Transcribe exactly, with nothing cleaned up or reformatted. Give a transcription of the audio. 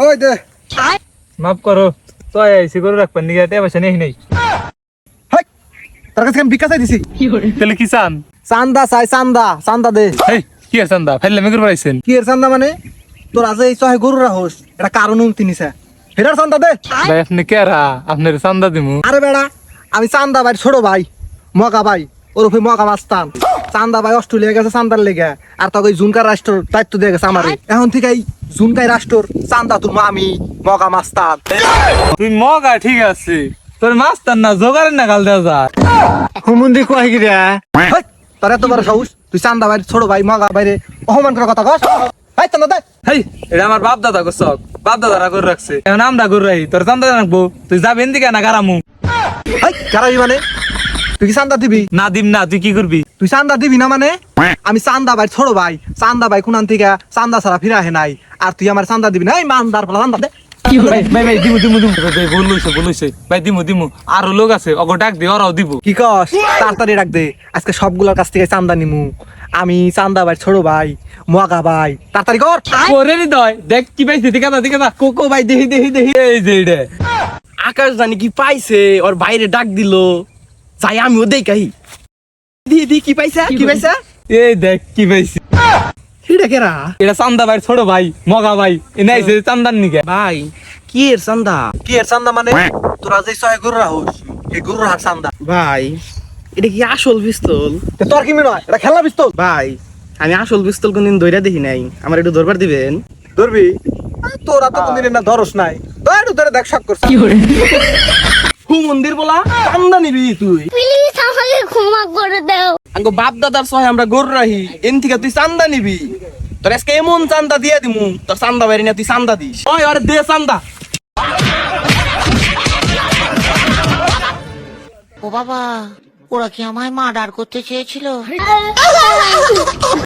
ওই দে মাফ করো তো আইসি করে রাখবেন নিগা তে পয়সা নেই নাই হাই তোর কাছে আমি ভিক্ষা চাই দিছি তাহলে কি চান চান্দা চাই চান্দা চান্দা দে এই কি আর চান্দা ফেললে মেঘর পাইছেন কি এর চান্দা মানে তোর আজ এই চহে গরু রাহস এটা কারণ তিনিছে হেটার চান্দা দে ভাই আপনি কেরা আপনার চান্দা দিমু আরে বেড়া আমি চান্দা ভাই ছোট ভাই মগা ভাই ওরফে মগা মাস্তান চান্দা ভাই অস্ট্রেলিয়া গেছে চান্দার লেগে আর তোকে ওই জুনকার রাষ্ট্র দায়িত্ব দিয়ে গেছে আমারে এখন থেকে এই জুনকাই রাষ্ট্রর চান্দা তোর আমি মগা মাস্তান তুই মগা ঠিক আছে তোর মাস্টার না জোগাড়ের না গাল দেওয়া যায় হুমুন্দি কয় কি রে হেই, তোর এত বড় সাহস তুই চান্দা ভাই ছোট ভাই মগা ভাইরে অপমান করার কথা কস হাই চান্দা দে হেই এটা আমার বাপ দাদা গো শখ বাপ দাদারা করে রাখছে এখন আমরা করে রাখি তোর চান্দা রাখবো তুই যাবেন দিকে না গারামু হাই কারাবি মানে তুই কি চান্দা দিবি না দিম না তুই কি করবি তুই চান্দা দিবি না মানে আমি চান্দা ভাই ছোট ভাই চান্দা ভাই কোনান থেকে চান্দা ছাড়া ফিরা হে নাই আর তুই আমার চান্দা দিবি না এই মানদার ফলা চান্দা দে ভাই ভাই ভাই দিমু দিমু দিমু ভাই ভুল হইছে ভুল হইছে ভাই দিমু দিমু আরো লোক আছে অগো ডাক দে ওরাও দিব কি কস তাড়াতাড়ি রাখ দে আজকে সবগুলোর কাছ থেকে চান্দা নিমু আমি চান্দা ভাই ছোট ভাই মগা ভাই তাড়াতাড়ি কর করে নি দয় দেখ কি পাইছিস দিকা দা দিকা দা কোকো ভাই দেহি দেহি দেহি এই যে এটা আকাশ জানি কি পাইছে ওর বাইরে ডাক দিল যাই আমিও দেখাই দি দি কি পাইছা কি পাইছা এই দেখ কি পাইছি হিডা কেরা এটা চান্দা ভাই ছোট ভাই মগা ভাই এনে আইছে চান্দার নিকে ভাই কি এর চান্দা কি এর চান্দা মানে তোরা যে ছয় গরু রাহস এই গরুর হাট চান্দা ভাই এটা কি আসল পিস্তল তে তোর কি মনে হয় এটা খেলা পিস্তল ভাই আমি আসল পিস্তল কোনদিন দইরা দেখি নাই আমার একটু ধরবার দিবেন ধরবি তোরা তো কোনদিন না ধরস নাই ধর ধরে দেখ শক করছিস হু মন্দির বলা চান্দা নিবি তুই প্লিজ আমাকে ক্ষমা করে দাও আঙ্গো বাপ দাদার সহায় আমরা গরু রাহি এন থেকে তুই চান্দা নিবি তোর আজকে এমন চান্দা দিয়ে দিমু তোর চান্দা বাইরে না তুই চান্দা দিস ওই আরে দে চান্দা ও বাবা ওরা কি আমায় মার্ডার করতে চেয়েছিল